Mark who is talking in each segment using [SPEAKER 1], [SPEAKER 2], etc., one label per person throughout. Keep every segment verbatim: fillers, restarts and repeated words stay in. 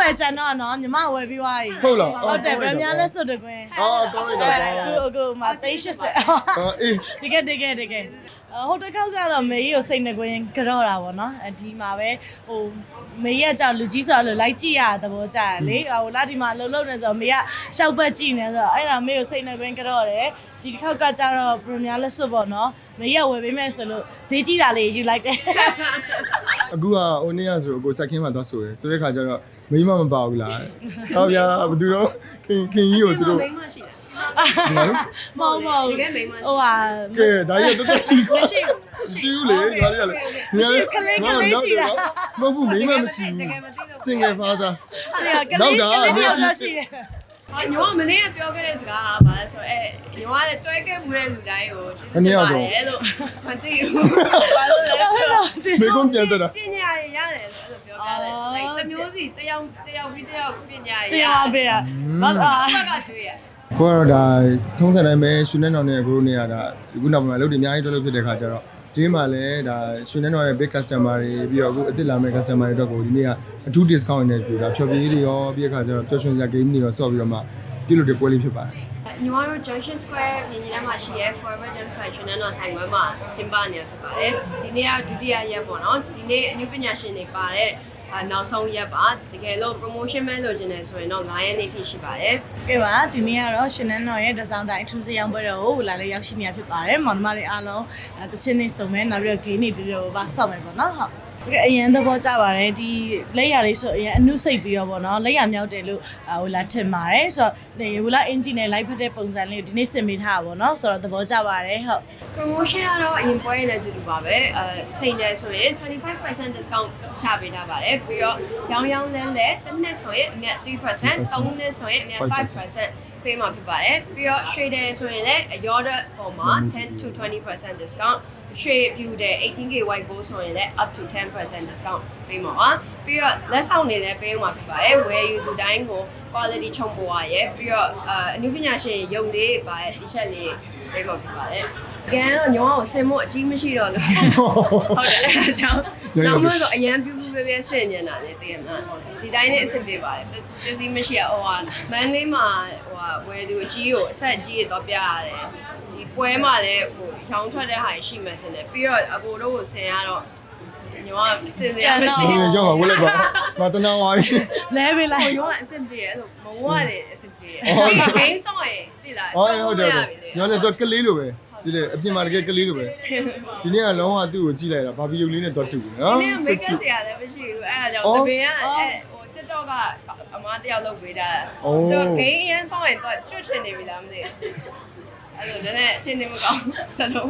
[SPEAKER 1] ပဲကျန်တော့နော်ညီမဝယ်ပြီးသွားပြီ
[SPEAKER 2] ဟုတ်လား
[SPEAKER 1] ဟုတ်တယ်ဗမာလက်စွပ်တကွင်း
[SPEAKER 2] အော်ကောင်းလိုက်တာ
[SPEAKER 1] အခုအခုမှသိန်း80
[SPEAKER 2] အော်အေး
[SPEAKER 1] တကယ်တကယ်တကယ်ဟိုတစ်ခေါက်ကတော့မေကြီးကိုစိတ်နှကွင်းကြော့တာပေါ့နော်အဲဒီမှာပဲဟိုမေကြီးကကြောက်လူကြီးဆိုတော့လိုက်ကြည့်ရတဲ့သဘောကျတယ်လေဟိုလာဒီမှာလှုပ်လှုပ်နေဆိုတော့မေကရှောက်ပတ်ကြည့်နေဆိုတော့အဲ့ဒါမေကိုစိတ်နှကွင်းကြော့တယ်ဒီတစ်ခေါက်ကကြတော့ပရမီယာလက်စွပ်ပေါ့နော်မေကြီးကဝယ်ပေးမယ်ဆိုလို့ဈေးကြီးတာလေးယူလိုက်တယ်
[SPEAKER 2] အခုကဟိုနေ့ကဆိုကိုစက်ခင်းမှာသွားဆိုတယ်ဆိုတဲ့ခါကျတော့မိမမပါဘူးလားဟောဗျာဘယ်သူတော့ခင်ခင်ကြီးကိုသူတို့
[SPEAKER 3] မိန်းမရှိတာ
[SPEAKER 1] မဟုတ်မဟုတ်
[SPEAKER 3] တကယ်မိန်းမရှိ
[SPEAKER 1] ဟိုဟာ
[SPEAKER 2] ကဲဒါရတော့တက်ချီကို
[SPEAKER 3] မရှိဘူး
[SPEAKER 2] ရှိဦးလေညီမလေးကလေမဟုတ်ဘူးမိမမရှိဘူး single father
[SPEAKER 1] အဲ့ကလေးကလေးမျိုးလို့ရှိတယ်
[SPEAKER 3] ဟာညောမလေးကပြောခဲ့တဲ့စကားကဘာလဲဆိုတော့အဲညောကလည်းတွဲခဲ့မှုတဲ့လူတိုင်းကိုကျေးဇူးတင်ပါတယ်လို့မသိဘူးဘာလို့လဲဆိုတော့
[SPEAKER 2] မေကွန်ပြန်တက်တာ
[SPEAKER 3] ပညာရရတယ်လို့အဲ့လိုပြောပြတယ်။ like တစ်မျိုးစီတစ်ယောက်တစ်ယောက်ပြီးတစ်ယောက်ပညာရ
[SPEAKER 1] တင်ပါပေးတာဘာသာ
[SPEAKER 3] ဘက်ကတွေ့ရ
[SPEAKER 2] ကိုကတော့ဒါထုံးစံတိုင်းပဲရှင်နေတော်နဲ့ကိုရိုနေရတာအခုနောက်ပိုင်းလုပ်တယ်အများကြီးတွဲလို့ဖြစ်တဲ့ခါကျတော့ဒီမှာလည်းဒါရှင်နေတော်ရဲ့ big customer တွေပြီးတော့အခုအစ်စ်လာမဲ့ customer တွေအတွက်ကိုဒီနေ့ကအထူး discount နဲ့တွေ့တာဖြော်ပြရေးတွေရောပြီးတဲ့ခါကျတော့ပျော်ရွှင်စရာ game တွေရောဆော့ပြီးတော့မှပြုလုပ်တဲ့ပွဲလေးဖြစ်ပါတယ်
[SPEAKER 3] ။ညောတို့ Junction Square မြင်းကြီးထဲမှာရှိရဲ Forever Junction Square ရှင်တော်ဆိုင်ခွဲမှာကျင်းပနေဖြစ်ပါတယ်။ဒီနေ့ကဒုတိယရက်ပေါ့နော်။ဒီနေ့အနုပညာရှင်တွေပါတဲ့နောက်ဆုံးရက်ပါတကယ်လို့ promotion မဲလုပ်ခြင်းနဲ့ဆိုရင်တော့nineရက်နေ့ထိရှိပါတယ်
[SPEAKER 1] ကဲပါဒီနေ့ကတော့ရှင်နန်းတော်ရဲ့ဒဇောင်းတိုင်းအထူးစရောင်းပွဲတော်ကိုလာလေရောက်ရှိနေရဖြစ်ပါတယ်မောင်နှမတွေအားလုံးတချင်းနေစုံမဲနောက်ပြီးတော့ဂိမ်းနေပြပြပါဆောက်မယ်ပေါ့နော်ဟုတ်ကဲအရင်သဘောကျပါတယ်ဒီလက်ရလေးဆိုအရင်အနုစိတ်ပြီးတော့ပေါ့နော်လက်ရမြောက်တယ်လို့ဟိုလာထင်ပါတယ်ဆိုတော့ဟိုလာအင်ဂျင်နဲ့လိုက်ဖက်တဲ့ပုံစံလေးကိုဒီနေ့ဆင်ပေးထားတာပေါ့နော်ဆိုတော့သဘောကျပါတယ်ဟုတ်
[SPEAKER 3] promotion ကတော့အရင်ပွဲရတဲ့အတူတူပါပဲအဲစိတ်နဲ့ဆိုရင်twenty-five percent discount ချပေးထားပါတယ်ပြီးတော့ရောင်းရောင်းလဲလဲတစ်နှစ်ဆိုရင်အမြတ်three percent သုံးနှစ်ဆိုရင်အမြတ်five percent ပေးမှာဖြစ်ပါတယ်ပြီးတော့ trader ဆိုရင်လည်းအရောတဲ့ပုံမှာten to twenty percent discount trade view တဲ့eighteen K white gold ဆိုရင်လည်း up to ten percent discount ပေးမှာပါပြီးတော့လက်ဆောင်တွေလည်းပေးမှာဖြစ်ပါတယ်ဝယ်ယူသူတိုင်းကို quality ချုံပေါ်ရရဲ့ပြီးတော့အနုပညာရှင်ရုံလေးပါတဲ့ t-shirt လေးပေးမှာဖြစ်ပါတယ်ကျန်တော့ညောကိုဆင်မို့အကြီးမရှိတော့လို့ဟုတ်တယ်အဲအကြောင်းနောက်မှဆိုအရန်ပြူးပြူးပဲပဲဆင်ညင်တာလေတကယ်မလားဒီတိုင်းနဲ့အဆင်ပြေပါတယ်ပစ္စည်းမရှိရဟိုဟာမန်လေးမှာဟိုဟာဝယ်သူအကြီးကိုအဆက်အကြီးတော့ပြရတယ်ဒီပွဲမှာလည်းဟိုရောင်းထွက်တဲ့ဟာရှိမှတင်တယ်ပြီးတော့အကိုတို့ကိုဆင်ရတော့ညောကစင်စရာမရှိ
[SPEAKER 2] ဒီရောက်ပါဝက်လိုက်ပါမတနာဝါကြီး
[SPEAKER 1] လဲပေးလိုက်
[SPEAKER 3] ဟိုညောကအဆင်ပြေအဲ့လိုမဝရတယ်အဆင်ပြေဒီဂိမ်းဆောင်ရင်တိလား
[SPEAKER 2] ဟုတ်ဟုတ်တယ်ညောလည်းတော့ကလေးလိုပဲဒီလေအပြင်မှာတကယ်ကလေးလိုပဲဒီနေ့ကလုံးဝသူ့ကိုကြည့်လိုက်တာဘာဘီယိုလေးနဲ့တော့တူတယ်နော်
[SPEAKER 3] ဒီနေ့မိတ်ကဆရာလည်းမရှိဘူးအဲ့ဒါကြောင့်သပင်ကအဲဟို TikTok ကအမားတယောက်လုပ်ပေးတာဆိုတော့ဂိမ်းရန်ဆောင်ရင်တော့ကျွတ်ချင်နေပြီလားမသိဘူးအဲ့လိုလည်းအချင်းနေမကောင်းစလုံး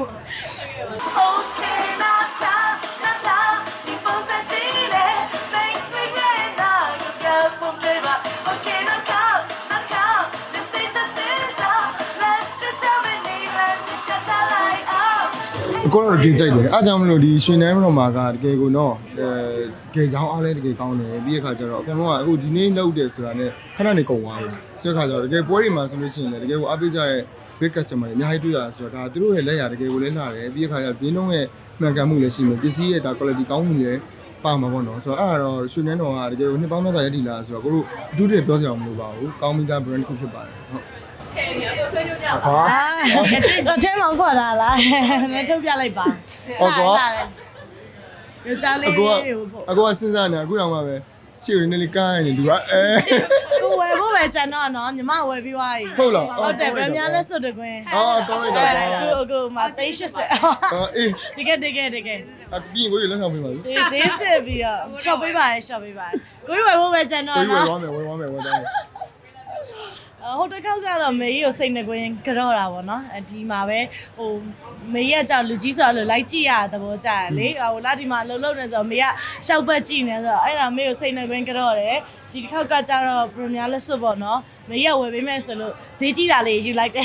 [SPEAKER 4] Okay, now time, now time, people say chile, make me get now, you got for flavor. Okay, now come, now come, the teacher says out, let the tell me name and the shut a light out.
[SPEAKER 2] ကိုတော့ကြင်ကြိုက်တယ်အားကြောင့်မလို့ဒီရွှေနန်းတော်မှာကတကယ်ကိုနော်အဲကဲချောင်းအားလဲတကယ်ကောင်းတယ်ပြီးတဲ့ခါကျတော့အကုန်လုံးကအခုဒီနေ့လောက်တယ်ဆိုတာနဲ့ခဏနေကုန်သွားပြီဆိုတဲ့ခါကျတော့တကယ်ပွဲတွေမှာဆိုလို့ရှိရင်လည်းတကယ်ကိုအားပေးကြတဲ့ big customer တွေအများကြီးတွေ့ရဆိုတော့ဒါသူတို့ရဲ့လက်ရတကယ်ကိုလည်းလာတယ်ပြီးတဲ့ခါကျဈေးနှုန်းရဲ့မှန်ကန်မှုလည်းရှိမယ်ပစ္စည်းရဲ့ဒါ quality ကောင်းမှုလည်းပါမှာပေါ့နော်ဆိုတော့အဲ့ဒါတော့ရွှေနန်းတော်ကတကယ်ကိုနှစ်ပေါင်းများစွာရည်တည်လာဆိုတော့ကိုတို့အတူတူပြောကြအောင်မလို့ပါဘူးကောင်းမိသား brand တစ်ခုဖြစ်ပါတယ်ဟုတ်
[SPEAKER 3] ထဲနေရဆွေးနွေးကြပါ
[SPEAKER 2] ဟာ
[SPEAKER 1] တော့ထဲမှာဖွက်တာလားလည်းထုတ်ပြလိုက်ပါ
[SPEAKER 2] ဟုတ်ကော
[SPEAKER 1] ရကြလေး
[SPEAKER 2] အကူကအကူကစဉ်းစားနေအခုတော့မှပဲရှေ့ရင်းလေးကိုင်းနေလူကအဲ
[SPEAKER 1] ကိုဝယ်ဖို့ပဲကျန်တော့နော်ညီမဝယ်ပြီးသွားပြီ
[SPEAKER 2] ဟုတ်လား
[SPEAKER 1] ဟုတ်တယ်ဗမာလက်စွပ်တကွင်း
[SPEAKER 2] အော်ကောင်းလိုက်တာ
[SPEAKER 1] အခုအခုမှသိန်း80
[SPEAKER 2] အော်အေး
[SPEAKER 1] တကယ်တကယ်တကယ်
[SPEAKER 2] အပြင်ကိုလက်ဆောင်ပေးပါဦး
[SPEAKER 1] ဈေးဈေးစစ်ပြီးတော့ shop ပေးပါတယ် shop ပေးပါတယ်ကိုကြီးဝယ်ဖို့ပဲကျန်တော့
[SPEAKER 2] ကိုကြီးဝယ်
[SPEAKER 1] နော်
[SPEAKER 2] သွားမယ်ဝယ်သွားမယ်ဝယ်သွားမယ်
[SPEAKER 1] ဟိုတစ်ခေါက်ကတော့မေကြီးကိုစိတ်နှကွင်းကြော့တာပေါ့နော်အဲဒီမှာပဲဟိုမေကြီးကကြောက်လူကြီးဆိုတော့လိုက်ကြည့်ရတဲ့သဘောကျတယ်လေဟိုလာဒီမှာလှုပ်လှုပ်နေဆိုတော့မေကရှောက်ပတ်ကြည့်နေဆိုတော့အဲ့ဒါမေကိုစိတ်နှကွင်းကြော့တယ်ဒီတစ်ခေါက်ကကြတော့ပရမီယာလက်စွပ်ပေါ့နော်မေကြီးကဝယ်ပေးမယ်ဆိုလို့ဈေးကြီးတာလေးယူလိုက်တယ်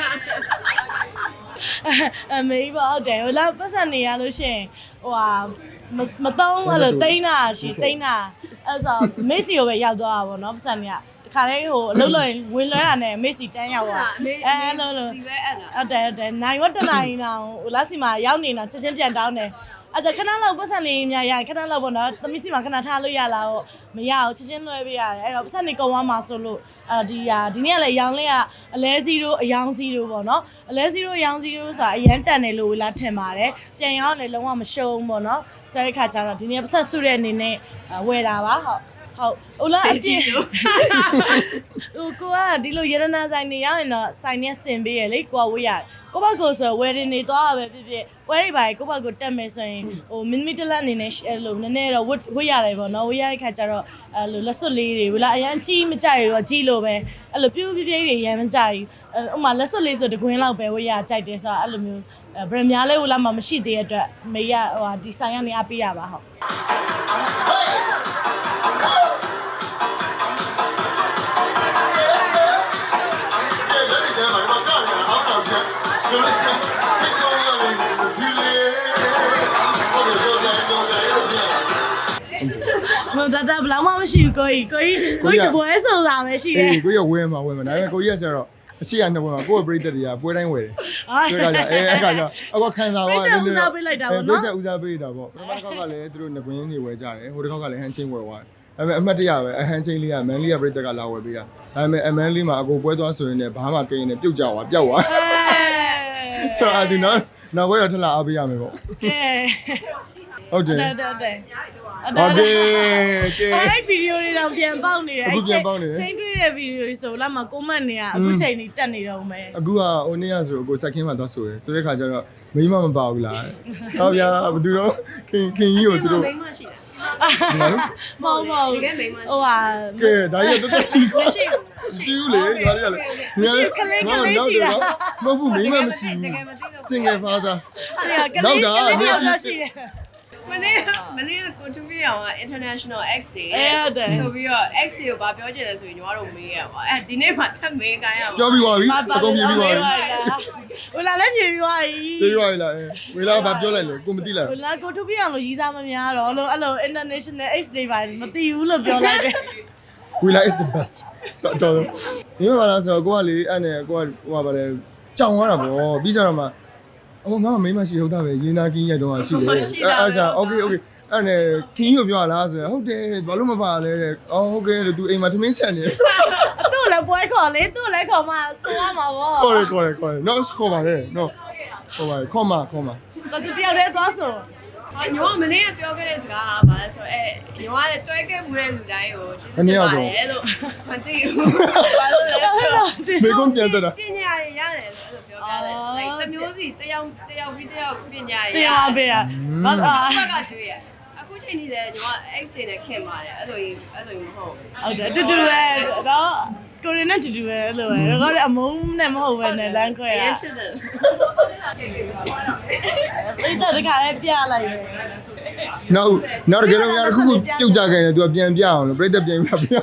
[SPEAKER 1] အမေပေါ့ဟုတ်တယ်ဟိုလာပတ်စံနေရလို့ရှိရင်ဟိုဟာမသုံးအဲ့လိုတိန်းတာရှိတိန်းတာအဲ့ဆိုမေ့စီကိုပဲရောက်သွားတာပေါ့နော်ပတ်စံနေကခါလေးဟိုအလုပ်လုပ်ရင်ဝင်လွှဲတာနဲ့မေ့စီတန်းရောက်သွားအဲလို့လို့
[SPEAKER 3] ဒီပဲအဲ့လား
[SPEAKER 1] ဟုတ်တယ်ဟုတ်တယ်နိုင်ဝတ်တနိုင်အောင်ဟိုလက်စီမှာရောက်နေတာချက်ချင်းပြန်တောင်းတယ်အဲ့ဒါခဏလောက်ပတ်စံလေးများရခဏလောက်ပေါ့နော်သမီးစီမှာခဏထားလို့ရလားဟောမရအောင်ချင်းချင်းလွှဲပေးရတယ်အဲ့တော့ပတ်စံနေကုန်သွားမှာဆိုလို့အဲဒီဟာဒီနေ့ကလည်းရောင်းလေးကအလဲစီရိုးအယောင်စီရိုးပေါ့နော်အလဲစီရိုးအယောင်စီရိုးဆိုတာအရန်တန်တယ်လို့လာထင်ပါတယ်ပြန်ရောင်းလည်းလုံးဝမရှုံးပေါ့နော်ဆိုတဲ့ခါကျတော့ဒီနေ့ပတ်စံစုတဲ့အနေနဲ့ဝယ်တာပါဟုတ်ဟုတ်ဦးလားအပြည့်ဟိုကိုကဒီလိုရတနာဆိုင်နေရောက်ရင်တော့ဆိုင်နဲ့ဆင်ပေးရလေကိုကဝေးရတယ်ကိုဘကိုဆိုဝယ်တင်နေသွားပဲဖြစ်ဖြစ်ဝယ်ရိပါကိုဘကိုတက်မယ်ဆိုရင်ဟိုမင်းမီတလက်အနေနဲ့အဲ့လိုနည်းနည်းတော့ဝတ်ဝတ်ရတယ်ပေါ့နော်ဝတ်ရတဲ့ခါကျတော့အဲ့လိုလက်စွပ်လေးတွေဝလာအရန်ကြီးမကြရရောကြီးလို့ပဲအဲ့လိုပြူးပြပြတွေရမ်းမကြဘူးဥမာလက်စွပ်လေးဆိုတကွင်းလောက်ပဲဝတ်ရကြိုက်တယ်ဆိုတော့အဲ့လိုမျိုးဗရမများလေးဝလာမှမရှိသေးတဲ့အတွက်မေရဟိုဒီဆိုင်ကနေအပေးရပါဟုတ်မဒါဒါဘလောက်မှမရှိဘူးကိုကြီးကိုကြီးကိုကြီးတပွဲဆိုတာပဲရှိတယ်
[SPEAKER 2] အေးကိုရဝဲမှာဝဲမှာဒါပေမဲ့ကိုကြီးကကျတော့အရှိရနှစ်ပွဲမှာကိုယ့်ပြိတ္တတွေကပွဲတိုင်းဝယ်တယ်ဆိုတော့အဲအဲ့ကကြောင့်အခုခံစားသွားတယ်
[SPEAKER 1] ဦးစားပေးလိုက်တာပေါ့နော်
[SPEAKER 2] ပြိတ္တဦးစားပေးတာပေါ့ပထမတစ်ခေါက်ကလည်းသူတို့ငွေရင်းတွေဝယ်ကြတယ်ဟိုတစ်ခေါက်ကလည်းဟန်ချင်းဝယ်သွားတယ်ဒါပေမဲ့အမှတ်တရပဲအဟန်ချင်းလေးကမန်လေးကပြိတ္တကလာဝယ်ပေးတာဒါပေမဲ့အမန်လေးမှာအကိုပွဲသွားဆိုရင်လည်းဘာမှကိန်းနေပြုတ်ကြသွားပျောက်သွားဆိုတော့ဒီနော်နောက်ဘက်ရထလာအားပေးရမယ်ပေါ့ဟုတ်တယ်
[SPEAKER 1] ဟုတ်တယ်ဟုတ်တယ်
[SPEAKER 2] โอเคကဲ
[SPEAKER 1] အဲ့ဗီဒီယိုတွေတော့ပြန်ပေါက်နေတယ်
[SPEAKER 2] အခုပြန်ပေါက်နေတယ်
[SPEAKER 1] ချိန်တွေ့တဲ့ဗီဒီယိုတွေဆိုလာမှကွန်မန့်တွေကအခုချိန်ကြီးတက်နေတော့မယ်
[SPEAKER 2] အခုကဟိုနေ့ကဆိုကိုဆက်ခင်းမှာသွားဆိုတယ်ဆိုတဲ့ခါကျတော့မိမမပါဘူးလားဟုတ်ဗျာဘယ်သူတော့ခင်ခင်ကြီးကိုသူတို့
[SPEAKER 3] မိန်းမရှိလား
[SPEAKER 1] မဟုတ်မဟုတ်
[SPEAKER 3] တကယ်မိန်းမရှိ
[SPEAKER 1] ဟိုဟာ
[SPEAKER 2] ကဲဒါရတော့တက်ချီကို
[SPEAKER 3] မရှိဘူး
[SPEAKER 2] ရှိဦးလေဒါလေးကလေမဟုတ်ဘူးမိမမရှိဘူး single father
[SPEAKER 1] အဲ့ကလေးကလေးမျိုးရှိတယ်
[SPEAKER 3] မနေ့မနေ့ကိုတူပြအောင်က international X day
[SPEAKER 1] အဲ့ဒါ
[SPEAKER 3] ဆိုပြီးတော့ X ကိုဘာပြောချင်လဲဆိုရင်ညီမတို့မေးရပါအဲ့ဒီနေ့မှထပ်မေးခိုင်းရပါ
[SPEAKER 2] ပြောပြီးသွားပြီအကုန်ပြင်ပြီးသွားပြီ
[SPEAKER 1] ဟိုလာလည်းပြင်ပြီးသွားပြီ
[SPEAKER 2] ပြေးသွားပြီလားဝေလာဘာပြောလိုက်လဲကိုမသိလား
[SPEAKER 1] ဟိုလာကိုထူပြအောင်လို့ရီးစားမများတော့လို့အဲ့လို international X day ပါမသိဘူးလို့ပြောလိုက်တယ်
[SPEAKER 2] ဝေလာ is the best တော်တော်ဒီမှာလာဆိုကိုကလေအဲ့နဲ့ကိုကဟိုပါလေကြောင်သွားတာပေါ့ပြီးကြတော့မှအော်ငါမမိမရှိဟုတ်တာပဲရင်းနာကင်းရိုက်တော့ရှိတယ်အဲ့အဲ့ကြောင့် okay okay အဲ့နဲ့ခင်းကိုပြောလားဆိုရင်ဟုတ်တယ်ဘာလို့မပါလဲတဲ့အော်ဟုတ်ကဲ့လို့ तू အိမ်မှာထမင်းချက်နေတယ်
[SPEAKER 1] သူ့လည်းပွဲခေါ်လေသူ့လည်းခေါ်မှဆိုရမှာပေါ့
[SPEAKER 2] ခေါ်ရခေါ်ရခေါ်ရ no ခေါ်ပါလေ no ခေါ်ပါခေါ်မှာခေါ်မှာ
[SPEAKER 1] တော့သူတယောက်တည်းသွားဆို
[SPEAKER 3] ညီမမနေ့ကပြောခဲ့တဲ့စကားကဘာလဲဆိုတော့အဲညီမလည်းတွဲခဲ့မှုတဲ့လူတိုင်းကိုကျေးဇူးတင်ပါတယ်လို့မသိဘူးဘာလို့လဲဆိုတော့
[SPEAKER 2] မေကွန်ပြန်တက်တာ
[SPEAKER 3] ပညာရရတယ်လို့အဲ့လိုပြောပြတယ်။ like တစ်မျိုးစီတစ်ယောက်တစ်ယောက်ပြီးတစ်ယောက်ပညာရ
[SPEAKER 1] တရားပေးတာဘာသာ
[SPEAKER 3] ဘက်ကတွေ့ရ။အခုချိန်ကြီးလည်းညီမ X နဲ့ခင်ပါတယ်အဲ့လိုအဲ့လိုမဟုတ်
[SPEAKER 1] ဟုတ်တယ်တူတူပဲတော့ကိုရီနဲ့တူတူပဲလို့ပဲတော့လည်းအမုန်းနဲ့မဟုတ်ပဲနဲ့လမ်းခွဲ
[SPEAKER 3] ။
[SPEAKER 1] ရ
[SPEAKER 3] ရချစ်တယ်
[SPEAKER 1] ပိတ်တော့တခါလေးပြလိုက်တယ်
[SPEAKER 2] နောက်နောက်တကယ်လို့များတစ်ခုခုပြုတ်ကြခဲ့တယ် तू ပြန်ပြအောင်လို့ပြိတ္တပြန်ပြပြ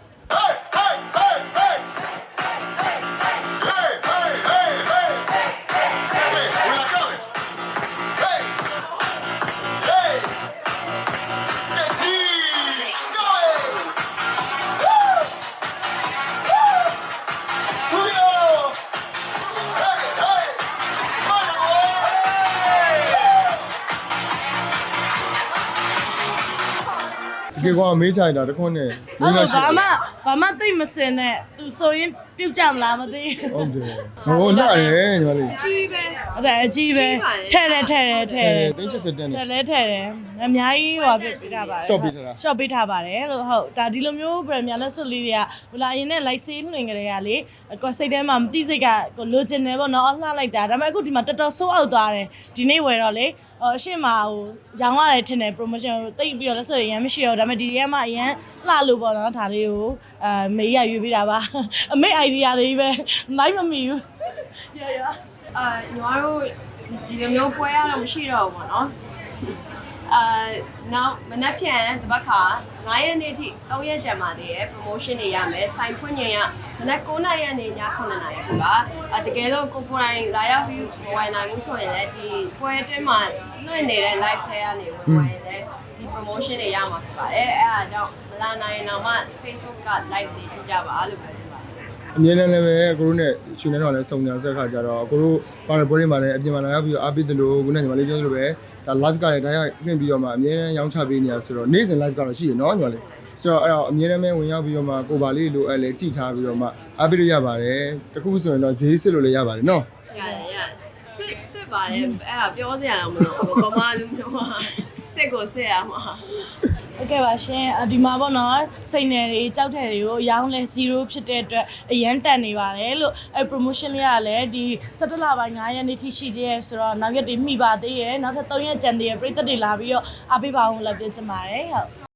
[SPEAKER 2] ဒီကွာမေးချင်တာတခွန်းနဲ့
[SPEAKER 1] ဟု
[SPEAKER 2] မင်း
[SPEAKER 1] တ်
[SPEAKER 2] မရှိ
[SPEAKER 1] ဘာမှဘာမှသိမစင်နဲ့သူဆိုရင်ပြုတ်ကြမလားမသိ
[SPEAKER 2] ဟုတ်တယ်ဟိုလာတယ်ညီမလေး
[SPEAKER 3] ။ကြီးပဲ
[SPEAKER 1] ဟုတ်တယ်အကြီးပဲထဲတယ်ထဲတယ်ထဲတယ်
[SPEAKER 2] သိချစ်တဲ့တက်နေ
[SPEAKER 1] ထဲလဲထဲတယ်အများကြီးဟိုပြပေးထားပါတယ်
[SPEAKER 2] shop ပေးထားတာ
[SPEAKER 1] shop ပေးထားပါတယ်လို့ဟုတ်ဒါဒီလိုမျိုး brand များလက်စွပ်လေးတွေကဟိုလာအရင်နဲ့ light sale နှင်ကြတဲ့ကလေကိုစိတ်ထဲမှာမသိစိတ်ကကိုလိုချင်တယ်ပေါ့နော်အလှလိုက်တာဒါပေမဲ့အခုဒီမှာတော်တော်ဆိုးအောက်သွားတယ်ဒီနေ့ဝယ်တော့လေအရှင်းမှာဟိုရောင်းရတယ်ထင်တယ် promotion ကိုတိတ်ပြီးတော့လက်စွပ်ရမ်းမရှိတော့ဒါပေမဲ့ဒီရဲမှာအရန်လှလို့ပေါ့နော်ဒါလေးကိုအဲမေးရရွေးပေးတာပါအမေ idea လေးပဲ live မမီဘူးရရ
[SPEAKER 3] ။အာညီမတို့ဒီလိုမျိုးပွဲရတော့မရှိတော့ဘူးပေါ့နော်။အာနောက်မနက်ဖြန်တပတ်ခါနင်းရက်နေ့ထိသုံးရက်ကြာမှသေးရယ် promotion တွေရမယ်ဆိုင်ဖွင့်ညင်ရမနက်9နာရီကနေည9နာရီပေါ့ကအတကယ်လို့ကိုကိုတိုင်းလာရောက်ပြီးဝိုင်းနိုင်မှုဆိုရင်လည်းဒီပွဲအတွင်းမှာလွှင့်နေတဲ့ live ထဲကနေဝိုင်းလည်းဒီ promotion တွေရမှာဖြစ်ပါတယ်အဲအားကြောင့်မလာနိုင်တော့မှ Facebook က live တွေကြည့်ကြပါလို့ပြောနေပါတယ်
[SPEAKER 2] အမြဲတမ်းလည်းပဲအကိုတို့နဲ့ရှင်နေတော့လည်းစုံညာဆက်ခါကြတော့အကိုတို့ပါရပွဲတွေမှာလည်းအပြင်မှာလာရောက်ပြီးအားပေးတယ်လို့ခုနကညီမလေးပြောသလိုပဲဒါ live ကလည်းဒါရိုက်ပြင်ပြီးတော့မှအများနဲ့ရောင်းချပေးနေရဆိုတော့နေ့စဉ် live ကတော့ရှိရနော်ညီမလေးဆိုတော့အဲ့တော့အများနဲ့ဝင်ရောက်ပြီးတော့မှကိုပါလေးလိုအဲ့လေကြည့်ထားပြီးတော့မှအားပေးလို့ရပါတယ်တခုဆိုရင်တော့ဈေးစစ်လို့လည်းရပါတယ်နော်
[SPEAKER 3] ရတယ်ရတယ်စစ်စစ်ပါတယ်အဲ့ဒါပြောစရာတော့မလိုဘူးပမာလူမျိုးမှာစစ်ကိုစစ်ရမှာ
[SPEAKER 1] ဟုတ်ကဲ့ပါရှင်ဒီမှာပေါ့နော်စိတ်နယ်တွေကြောက်တဲ့တွေကိုရောင်းလဲဇီရိုဖြစ်တဲ့အတွက်အရန်တန်နေပါတယ်လို့အဲ promotion လေးကလည်းဒီစက်တလပိုင်းnineရက်နေ့ထိရှိသေးရဲ့ဆိုတော့နောက်ရက်တွေမှီပါသေးရဲ့နောက်ထပ်threeရက်ကြံသေးရဲ့ပြည်သက်တွေလာပြီးတော့အားပေးပါအောင်လည်းပြင်ချင်ပါတယ်ဟုတ်